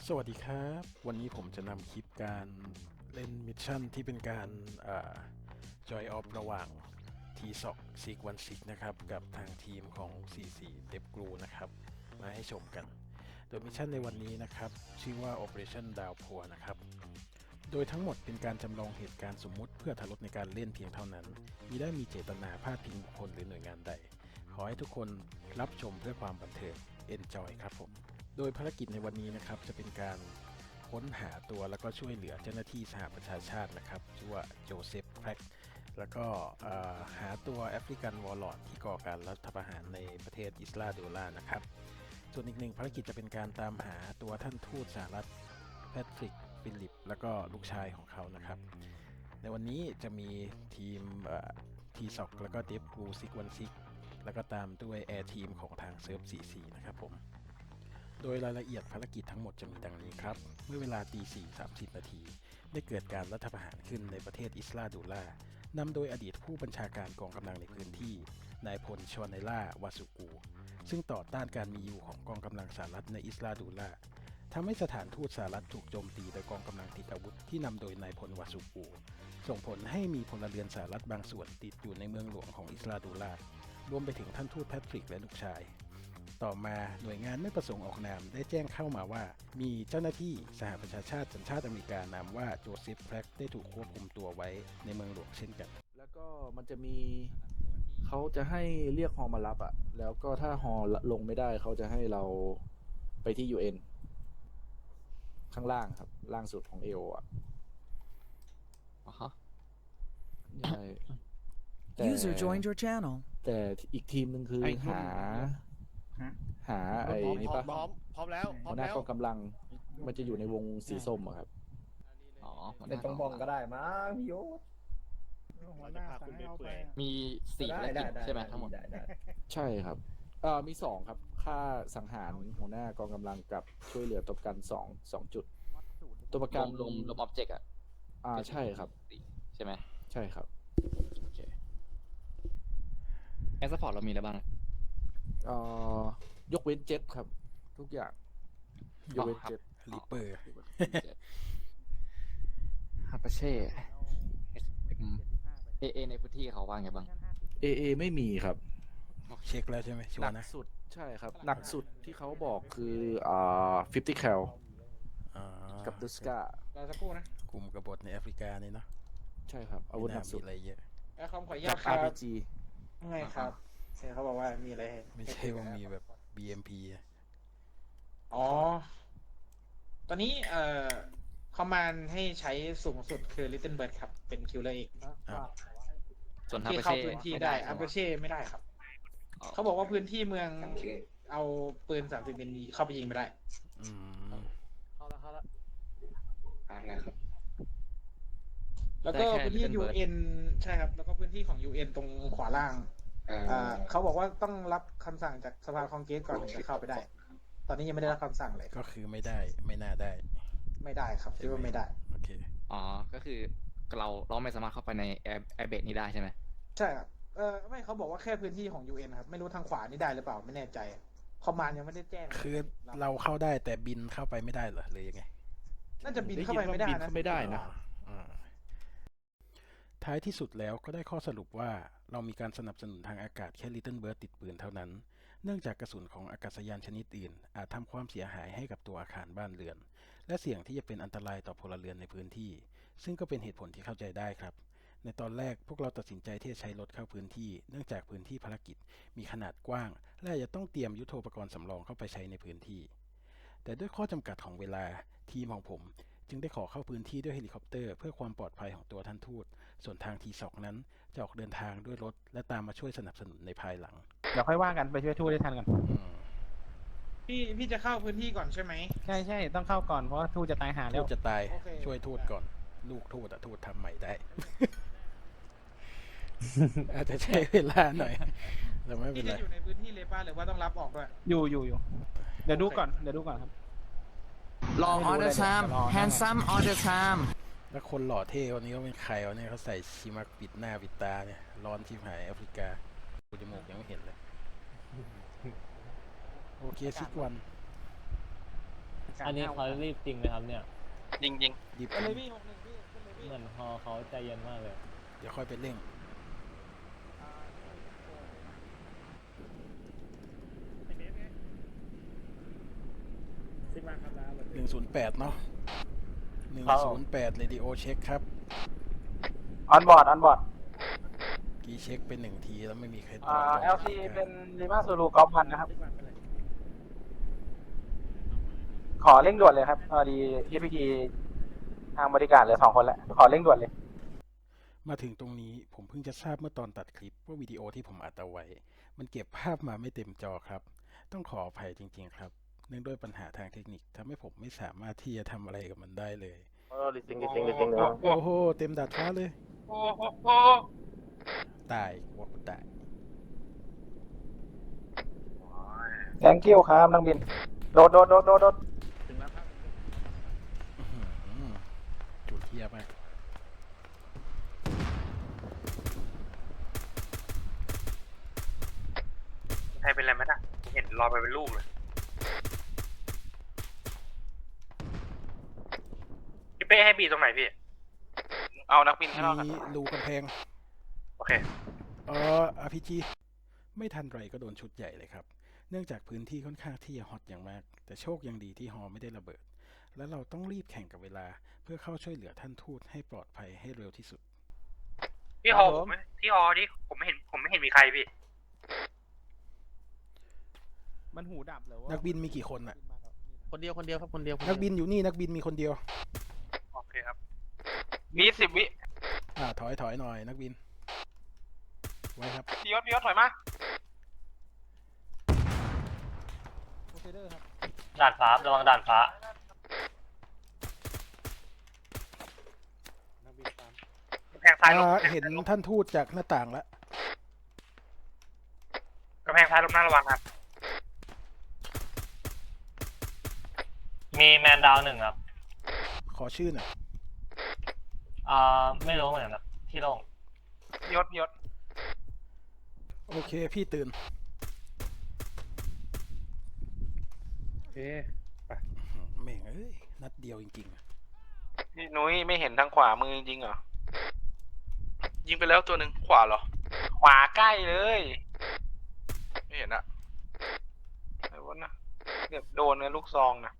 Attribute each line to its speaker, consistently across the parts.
Speaker 1: สวัสดีครับวันนี้ผมจะนำคลิปการเล่นมิชชั่นที่เป็นการจอยออฟระหว่าง T-SOC Seek 16นะครับกับทางทีมของ 44 DevGru นะครับมาให้ชมกันโดยมิชชั่นในวันนี้นะครับชื่อว่า Operation Downpour นะครับโดยทั้งหมดเป็นการจำลองเหตุการณ์สมมุติเพื่อทารถในการเล่นเพียงเท่านั้นมิได้มีเจตนาพาดพิงบุคคลหรือหน่วยงานใดขอให้ทุกคนรับชมเพื่อความบันเทิง Enjoy ครับผมโดยภารกิจในวันนี้นะครับจะเป็นการค้นหาตัวแล้วก็ช่วยเหลือเจ้าหน้าที่สหประชาชาตินะครับชื่อว่าโจเซฟแพร็กแล้วก็หาตัวแอฟริกันวอร์ลอดที่ก่อการรัฐประหารในประเทศอิสราเอลนะครับส่วนอีกหนึ่งภารกิจจะเป็นการตามหาตัวท่านทูตสหรัฐแพทริกฟิลิปแล้วก็ลูกชายของเขานะครับในวันนี้จะมีทีมทีซ็อกแล้วก็เดฟกูซิกวันซิกแล้วก็ตามด้วยแอร์ทีมของทางเซิร์ฟ44นะครับผมโดยรายละเอียดภารกิจทั้งหมดจะมีดังนี้ครับเมื่อเวลาตี 4:30 นาทีได้เกิดการรัฐประหารขึ้นในประเทศอิสราเอลนำโดยอดีตผู้บัญชาการกองกำลังในพื้นที่นายพลชวเนล่าวาสุกูซึ่งต่อต้านการมีอยู่ของกองกำลังสหรัฐในอิสราเอลทำให้สถานทูตสหรัฐถูกโจมตีโดยกองกำลังติดอาวุธที่นำโดยนายพลวาสุกูส่งผลให้มีพลเรือนสหรัฐบางส่วนติดอยู่ในเมืองหลวงของอิสราเอลรวมไปถึงท่านทูตแพทริกและลูกชายต่อมาหน่วยงานไม่ประสงค์ออกนามได้แจ้งเข้ามาว่ามีเจ้าหน้าที่สหประชาชาติสัญชาติอเมริกานามว่าโจเซฟแพร็กได้ถูกควบคุมตัวไว้ในเมืองหลวงเช่นกัน
Speaker 2: แล้วก็มันจะมีเขาจะให้เรียกฮอมารับอ่ะแล้วก็ถ้าฮอลงไม่ได้เขาจะให้เราไปที่ UN ข้างล่างครับล่างสุดของเอโออ่ะ
Speaker 3: ฮะ
Speaker 2: ใช่แต่
Speaker 4: User joined your channel.
Speaker 2: แต่อีกทีมหนึ่งคือหาไอ้นี่ปะ
Speaker 5: พร้อมแล้วพร้
Speaker 2: หั
Speaker 5: อ
Speaker 2: ว
Speaker 5: ม
Speaker 2: หน้า
Speaker 5: แล้ว
Speaker 2: กองกำลังมันจะอยู่ในวงสีส้มอะครับ
Speaker 3: อ๋อ
Speaker 6: ในตรงบองก็ได้มั้งพี่โยศ
Speaker 5: หัวหน้าสั่งให้เอาไป
Speaker 3: มี4ภารกิจใช่ไหมทั้งหมด
Speaker 6: ได้
Speaker 2: ใช่ครับมีสองครับค่าสังหารหัวหน้ากองกำลังกับช่วยเหลือตัวประกันสองจุดตัวประ
Speaker 3: ร
Speaker 2: กัน
Speaker 3: วมรวมรวมออบเจกต์อ่ะ
Speaker 2: ใช่ครับ
Speaker 3: ใช่ไหม
Speaker 2: ใช่ครับ
Speaker 3: โอเคแอสซัพพอร์ตเรามีอะไรบ้าง
Speaker 2: ยกเว้นเจ็ตครับ ทุกอย่างยกเว้นเจ็ต
Speaker 1: ริปเปอร์
Speaker 3: ฮาปาเช่เอในพื้นที่เขาว่าไงบ้าง
Speaker 2: AA ไม่มีครับ
Speaker 1: เช็คแล้วใช่ไหมชัว
Speaker 2: หนั
Speaker 1: ร์
Speaker 2: ก
Speaker 1: นะ
Speaker 2: สุดใช่ครับ หนักสุดที่เขาบอกคือ50 cal กับดุสการ
Speaker 5: อสักครู่นะ
Speaker 1: กลุ่มกบฏในแอฟริกานี่เนาะ
Speaker 2: ใช่ครับอาวุธหนักสุด
Speaker 1: มีอะไรเยอะ
Speaker 5: คำขออนุญา
Speaker 2: กั
Speaker 5: ต
Speaker 2: บ
Speaker 5: ครับ
Speaker 2: RPG
Speaker 5: ไงครับใช่เขาบอกว่ามีอะไร
Speaker 1: ไม่ใช่ว่ามีแบบ BMP อะ
Speaker 5: อ๋อ ตอนนี้คอมมานด์ให้ใช้สูงสุดคือ Little Bird ครับ เป็นคิวเลอร์เอก
Speaker 1: อ้าว
Speaker 3: ส่วนฮา
Speaker 5: ที่
Speaker 3: ปา
Speaker 5: เข้า
Speaker 3: เช่
Speaker 5: พื้นที่ได้อัปเปอร์เช่ไม่ได้ครับ เขาบอกว่าพื้นที่เมืองเอาปืน30มิลลิเข้าไปยิงไม่ได้
Speaker 1: อืม
Speaker 5: เข้าแล้วอะไรครับ แล้วก็พื้นที่ UN ใช่ครับ แล้วก็พื้นที่ของ UN ตรงขวาล่างเขาบอกว่าต้องรับคำสั่งจากสภาคองเกรสก่อนถึงจะเข้าไปได้ ตอนนี้ยังไม่ได้รับคำสั่งเลย
Speaker 1: ก็คือไม่ได้ไม่น่าได้
Speaker 5: ไม่ได้ครับคิดว่าไม่ได้
Speaker 1: โอเค
Speaker 3: อ๋อ ก็คือเราไม่สามารถเข้าไปในแอร์เบดนี้ได้ใช่ไหม
Speaker 5: ใช่ครับไม่เขาบอกว่าแค่พื้นที่ของ UN ครับ ไม่รู้ทางขวานี่ได้หรือเปล่าไม่แน่ใจ คอมมานด์ยังไม่ได้แจ้ง
Speaker 1: คือเราเข้าได้แต่บินเข้าไปไม่ได้เหรอหรือยังไง
Speaker 5: น่าจะบินเข้าไปไม่ได้
Speaker 2: บิน
Speaker 5: นะ
Speaker 2: เข้าไม่ได้นะ
Speaker 1: อ่าท้ายที่สุดแล้วก็ได้ข้อสรุปว่าเรามีการสนับสนุนทางอากาศแค่ Little Bird ติดปืนเท่านั้น เนื่องจากกระสุนของอากาศยานชนิดอื่นอาจทำความเสียหายให้กับตัวอาคารบ้านเรือน และเสี่ยงที่จะเป็นอันตรายต่อพลเรือนในพื้นที่ ซึ่งก็เป็นเหตุผลที่เข้าใจได้ครับ ในตอนแรกพวกเราตัดสินใจที่จะใช้รถเข้าพื้นที่ เนื่องจากพื้นที่ภารกิจมีขนาดกว้าง และอาจจะต้องเตรียมยุทโธปกรณ์สำรองเข้าไปใช้ในพื้นที่ แต่ด้วยข้อจำกัดของเวลาทีมของผมจึงได้ขอเข้าพื้นที่ด้วยเฮลิคอปเตอร์เพื่อความปลอดภัยของตัวท่านทูต ส่วนทางทีสอกนั้นจะออกเดินทางด้วยรถและตามมาช่วยสนับสนุนในภายหลัง
Speaker 7: เดี๋ยวค่อยว่ากันไปช่วยทูตได้ทันก่อน
Speaker 1: อืม
Speaker 5: พี่จะเข้าพื้นที่ก่อนใช่ไหม
Speaker 7: ใช่ต้องเข้าก่อนเพราะว่าทูตจะตายหาแล้
Speaker 1: ทู
Speaker 7: ว
Speaker 1: ตจะตาย
Speaker 5: โอเค
Speaker 1: ช่วยทูตก่อน ลูกทูตอะทูตทำใหม่ได้ อาจจะใช้เวลาหน่อยแต่ไม่เป็
Speaker 5: พี่
Speaker 1: น
Speaker 5: จะ
Speaker 1: ไร
Speaker 5: อยู่ในพื้นที่เลยป่ะหรือว่าต้องรับออกด้วย
Speaker 7: อยู่เดี๋ยวดูก่อนครับ
Speaker 4: Long order time, handsome order time.
Speaker 1: แล้วคนหล่อเท่วันนี้เขาเป็นใครวะเนี่ยเขาใส่ชิมักปิดหน้าปิดตาเนี่ยร้อนที่หายแอฟริกาดูจมูกยังไม่เห็นเลย โอเคซิกวัน
Speaker 8: อันนี้เขารีบจริงไหมครับเนี่ย
Speaker 9: จริง
Speaker 1: หยิบ
Speaker 5: เป็นเลยพี่61พี่เป็นเลยพี่
Speaker 8: เหมือนฮอเขาใจเย็นมากเลย
Speaker 1: เดี๋ยวค่อยไปเร่ง 108 เนาะ108 Radio เช็คครับ
Speaker 7: ออนบอร์ด ออนบอร์ด
Speaker 1: กี่เช็คเป็น1 ทีแล้วไม่มีใครตอบ
Speaker 7: LC เป็นลิมาซูรูกอล์ฟพันนะครับ ขอเร่งด่วนเลยครับพอดี TPT ทางบริการเหลือ2 คนแล้ว ขอเร่งด่วนเลย
Speaker 1: มาถึงตรงนี้ผมเพิ่งจะทราบเมื่อตอนตัดคลิปว่าวิดีโอที่ผมอัดเอาไว้ มันเก็บภาพมาไม่เต็มจอครับ ต้องขออภัยจริงๆครับ เนื่องด้วยปัญหาทางเทคนิคทำให้ผมไม่สามารถที่จะทำอะไรกับมันได้เลย
Speaker 7: ลิซิงเลย
Speaker 1: โอ้โห เต็มดาดฟ้าเลย
Speaker 9: โอ้โห
Speaker 1: ตายว่ากูตาย
Speaker 7: thank you ครับนักบิน โดด
Speaker 1: อื้อหือจุดเทียบมาก
Speaker 9: ใครเป็นไรไหมนะผมเห็นลอยไปเป็นลูกเลยพี่เป้ให้บีตรงไหนพี่ เอานักบินข้างนอกครับ
Speaker 1: มีรูกำแพง
Speaker 9: โอเค
Speaker 1: RPG ไม่ทันไรก็โดนชุดใหญ่เลยครับ เนื่องจากพื้นที่ค่อนข้างที่จะฮอตอย่างมาก แต่โชคยังดีที่ฮอไม่ได้ระเบิด และเราต้องรีบแข่งกับเวลาเพื่อเข้าช่วยเหลือท่านทูตให้ปลอดภัยให้เร็วที่สุด
Speaker 9: พี่ฮอผมที่ฮอที่ผมไม่เห็นมีใครพี่
Speaker 7: มันหูดับเลยว่า
Speaker 1: นักบินมีกี่คนน่ะ
Speaker 3: คนเดียวครับคนเดียว
Speaker 1: นักบินอยู่นี่นักบินมีคนเดียว
Speaker 9: โอเคครับ มี10 วิ
Speaker 1: ถอยหน่อยนักบิน ไว้ครับ
Speaker 9: พี่ยศถอยมา
Speaker 8: ด่านฟ้าระวังด่านฟ้า
Speaker 9: กำแพงซ้ายลง
Speaker 1: เห็นท่านทูตจากหน้าต่างแล้ว
Speaker 9: กำแพงซ้ายลงหน้าระวังครับ
Speaker 8: มีแมนดาว1ครับ
Speaker 1: ขอชื่อหน่อย
Speaker 8: ไม่รู้เหมือนกันครับที่โล่ง
Speaker 9: ยศ
Speaker 1: โอเค พี่ตื่น
Speaker 2: โอเค
Speaker 1: แม่งเอ้ย นัดเดียวจริงๆอะ
Speaker 9: พี่นุ้ยไม่เห็นทางขวามือจริงเหรอ ยิงไปแล้วตัวหนึ่งขวาเหรอ ขวาใกล้เลย ไม่เห็นอะอะไรวะนะเกือบโดนเลยลูกซองนะ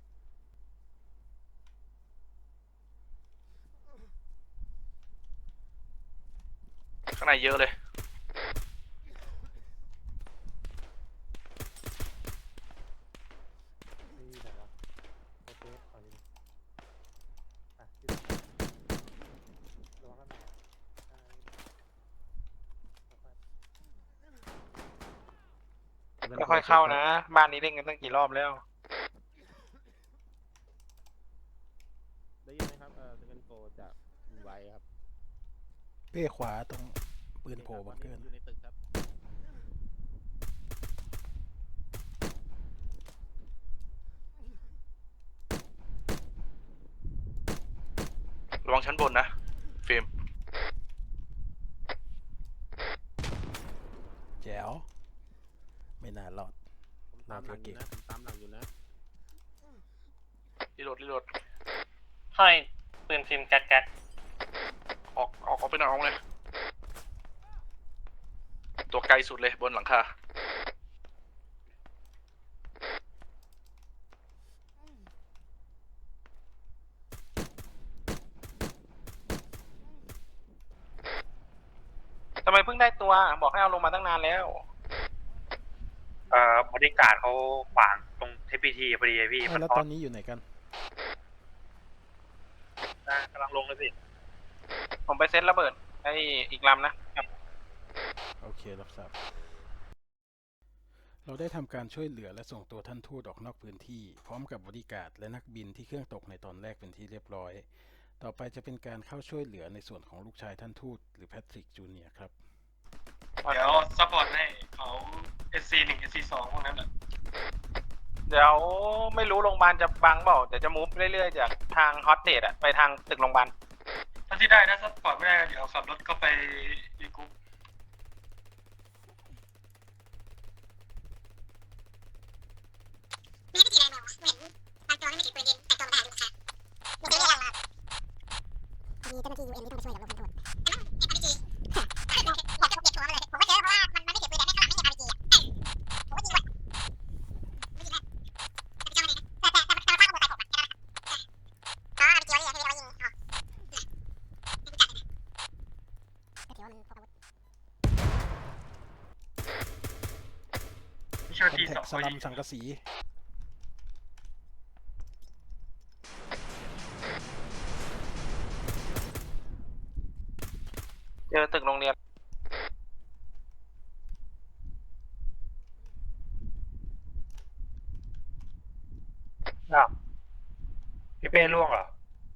Speaker 9: ข้างในเยอะเลย ค่อยๆเข้านะ บ้านนี้เล่นกันตั้งกี่รอบแล้ว
Speaker 2: ได้ยินไหมครับเซคันโกจากไวครับ
Speaker 1: เป้ขวาตรงปืนโผล่บังเกิน
Speaker 2: อยู่ในตึกครับ
Speaker 9: ระวังชั้นบนนะเฟรม
Speaker 1: แจ๋ว ไม่น่ารอด
Speaker 2: ผมตามหลังอยู่นะผมตามหลังอยู่นะ
Speaker 9: รีโหลด
Speaker 8: ให้ปืนฟิล์มแก๊ก
Speaker 9: ออกไปหน่อยออกเลย ตัวไกลสุดเลยบนหลังคา ทำไมเพิ่งได้ตัว บอกให้เอาลงมาตั้งนานแล้วบริการเขาขวางตรงเทพีทีพอดีพี่
Speaker 1: แล้วตอนนี้อยู่ไหนกัน
Speaker 9: กำลังลงเลยสิ ผมไปเซตระเบิดไอ้อีกลำนะ
Speaker 1: โอเครับทราบ เราได้ทำการช่วยเหลือและส่งตัวท่านทูตออกนอกพื้นที่ พร้อมกับบริการและนักบินที่เครื่องตกในตอนแรกเป็นที่เรียบร้อย ต่อไปจะเป็นการเข้าช่วยเหลือในส่วนของลูกชายท่านทูตหรือแพทริกจูเนียร์ครับ
Speaker 9: เดี๋ยวซัพพอร์ตให้เขา SC1 SC2 พวกนั้นแหละเดี๋ยวไม่รู้โรงพยาบาลจะบังเปล่าเดี๋ยวจะมูฟเรื่อยๆจากทางฮอตเตดอะไปทางตึกโรงพยาบาลถ้าที่ได้นะซัพพอร์ตไม่ได้เดี๋ยวขับรถเข้าไปอีกุ๊ก
Speaker 10: ไม่ได้กี่อะไรมาเหมือนตอน
Speaker 9: ไม่ใช่
Speaker 1: คอน
Speaker 9: ที
Speaker 1: แท
Speaker 9: สอ
Speaker 1: ค
Speaker 9: ง
Speaker 1: สลัมสังกะสี
Speaker 9: เจอตึกโรงเรียน
Speaker 8: อ้าวพี่เป้ล่วงเหรอ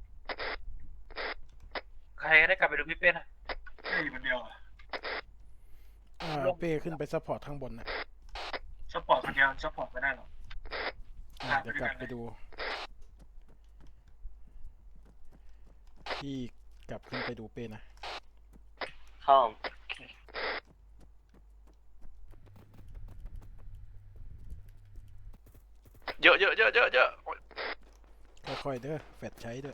Speaker 8: ใครได้กลับไปดูพี่เป้นะ
Speaker 9: อยู่คนเดียวอะ
Speaker 1: เป้ขึ้นไปซัพพอร์ตข้างบนนะ
Speaker 9: ซัพพอร์ตคนเดียวซัพพอร์ตไม่ได้หรอก
Speaker 1: เดี๋ยวกลับไปดู พี่กลับขึ้นไปดูเป้นะ
Speaker 8: เข้า
Speaker 9: เยอะเยอะเยอะเยอะเยอะ
Speaker 1: ค่อยๆเด้อแฟดใช้ด้วย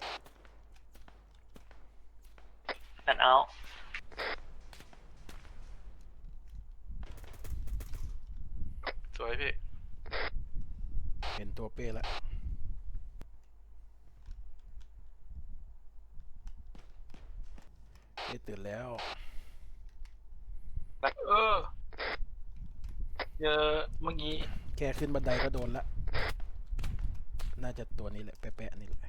Speaker 8: แอนเอา
Speaker 9: สวยพี่
Speaker 1: เห็นตัวเป้แล้วเป้ตื่นแล้ว
Speaker 9: เจอเมื่อกี้
Speaker 1: แค่ขึ้นบันไดก็โดนละ น่าจะตัวนี้แหละแปะๆนี่แหละ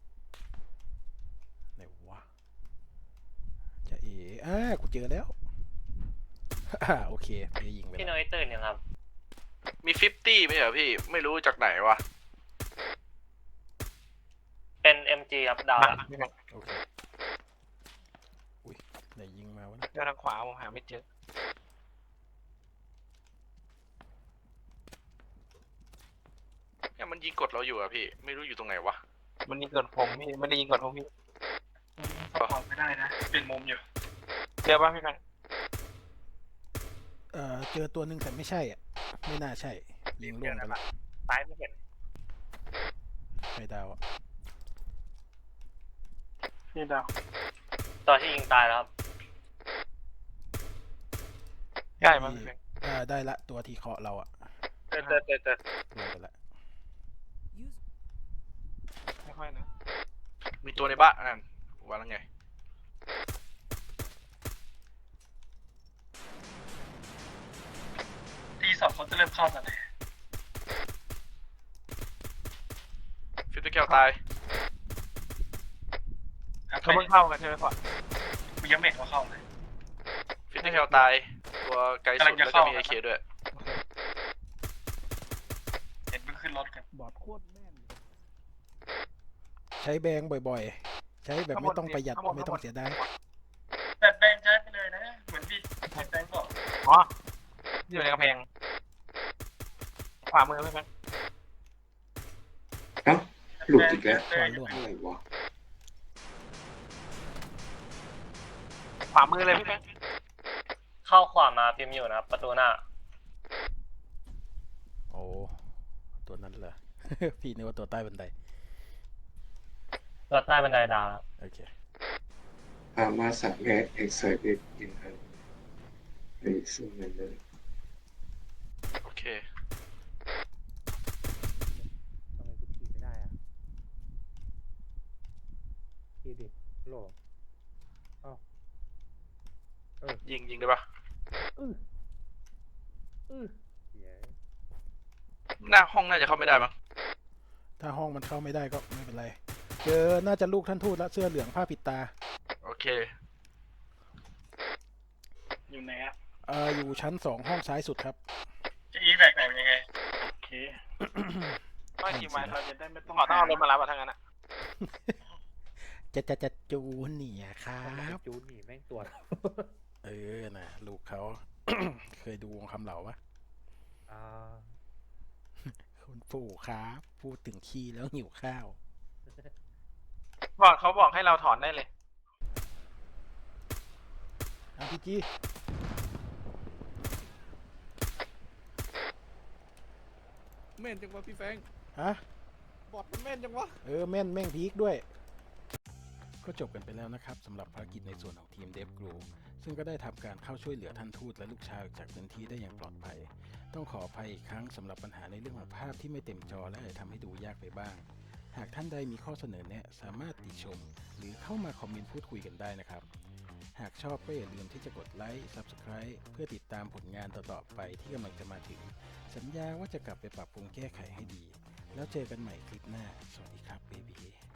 Speaker 1: ไหนวะจะกูเจอแล้ว โอเคเป้ยิงไป
Speaker 8: พี่
Speaker 1: แล้ว
Speaker 8: น้อยตื่นยังครับ
Speaker 9: มี50ไหมเหรอพี่ไม่รู้จากไหนวะ
Speaker 8: เป็น MG ครับดาวละ
Speaker 1: โอเค อุ้ยไหนยิงมาวะนะ
Speaker 9: เจอทางขวาผมหาไม่เจอเนี่ยมันยิงกดเราอยู่อะพี่ไม่รู้อยู่ตรงไหนวะมันยิงกดผมพี่ไม่ได้ยิงกดผมพี่ซัพพอร์ตไม่ได้นะเปลี่ยนมุมอยู่เจอป่ะพี่แฟน
Speaker 1: เจอตัวหนึ่งแต่ไม่ใช่อ่ะ ไม่น่าใช่ ยิงล่วงไปละ
Speaker 8: ซ้ายไม่เห็น
Speaker 1: ไข่ดาวอ่ะ
Speaker 9: พี่ดาว
Speaker 8: ตัวที่ยิงตายแล้วครับ
Speaker 9: ใช่มั้งพี่แฟน
Speaker 1: ได้ละตัวที่เคาะเราอ่ะ
Speaker 8: เติร์
Speaker 1: ลงไปละ
Speaker 9: ไม่ค่อยนะมีตัวในบ้านนั่นว่าแล้วไงทีสองเขาจะเริ่มเข้ากันเลยฟิตเตอร์แก้วตายเขาเพิ่งเข้ากันใช่ไหมพ่อมียังเมกเขาเข้าเลยฟิตเตอร์แก้วตายตัวไกลสุดแล้วก็มีไอเคด้วยเห็นเพิ่งขึ้นรถกัน
Speaker 2: บอดโคตรแม่น
Speaker 1: ใช้แบงบ่อยๆ ใช้แบบไม่ต้องประหยัดไม่ต้องเสียดาย
Speaker 9: แบบแบงใช้ไปเลยนะ เหมือนพี่แบงบอกอ๋ออยู่ในกระเพงขวามือไหมแบง
Speaker 10: หลุดอีกแล้ว
Speaker 1: ขวาล่วง
Speaker 10: อะไรวะ
Speaker 9: ขวามือเลยพี่แบง
Speaker 8: เข้าขวามาพิมพ์อยู่นะครับ ประตูหน้า
Speaker 1: โอ้ตัวนั้นเหรอ พี่นึกว่าตัวใต้บันได
Speaker 8: ตัวใต้บันไดดาวครับ
Speaker 1: โอเค
Speaker 10: มาสักแง่เอ็กซ์ไซเอ็กอินอันไปซึ่งมันเลย
Speaker 9: โอเค
Speaker 6: ทำไมกูขี่ไม่ได้อ่ะขี่ดิโหล
Speaker 9: ยิงได้ปะ
Speaker 6: เหี้ย
Speaker 9: หน้าห้องน่าจะเข้าไม่ได้มั้ง
Speaker 1: ถ้าห้องมันเข้าไม่ได้ก็ไม่เป็นไร เจอน่าจะลูกท่านทูตแล้วเสื้อเหลืองผ้าปิดตา
Speaker 9: โอเค อยู่ไหนอะ
Speaker 1: อยู่ชั้น2ห้องซ้ายสุดครับ
Speaker 9: จะอีแบกไหนยังไง โอเคไม่ทีมไว้เราจะได้ไม่ต้องขอต้องเอารถมารับอะทั้งนั้นอะ
Speaker 1: จะจูนเนี่ยครับ
Speaker 6: จูนหนีแม่งตัว
Speaker 1: นะลูกเขา เคยดูวงคำเหล่าปะ คุณปู่ครับพูดถึงขี้แล้วหิวข้าว
Speaker 9: บอกเขาบอกให้เราถอนได้เลย
Speaker 1: RPG
Speaker 2: แม่นจังวะพี่แฟง
Speaker 1: ฮะ
Speaker 2: บอดมันแม่นจังวะ
Speaker 1: แม่นแม่งพีคด้วย ก็จบกันไปแล้วนะครับสำหรับภารกิจในส่วนของทีมเดฟกรูซึ่งก็ได้ทำการเข้าช่วยเหลือท่านทูตและลูกชายออกจากพื้นที่ได้อย่างปลอดภัย ต้องขออภัยอีกครั้งสำหรับปัญหาในเรื่องของภาพที่ไม่เต็มจอและอาจทำให้ดูยากไปบ้าง หากท่านใดมีข้อเสนอแนะสามารถติชม หรือเข้ามาคอมเมนต์พูดคุยกันได้นะครับ หากชอบก็อย่าลืมที่จะกดไลค์ Subscribe เพื่อติดตามผลงานต่อๆไปที่กำลังจะมาถึง สัญญาว่าจะกลับไปปรับปรุงแก้ไขให้ดี แล้วเจอกันใหม่คลิปหน้า สวัสดีครับเบบี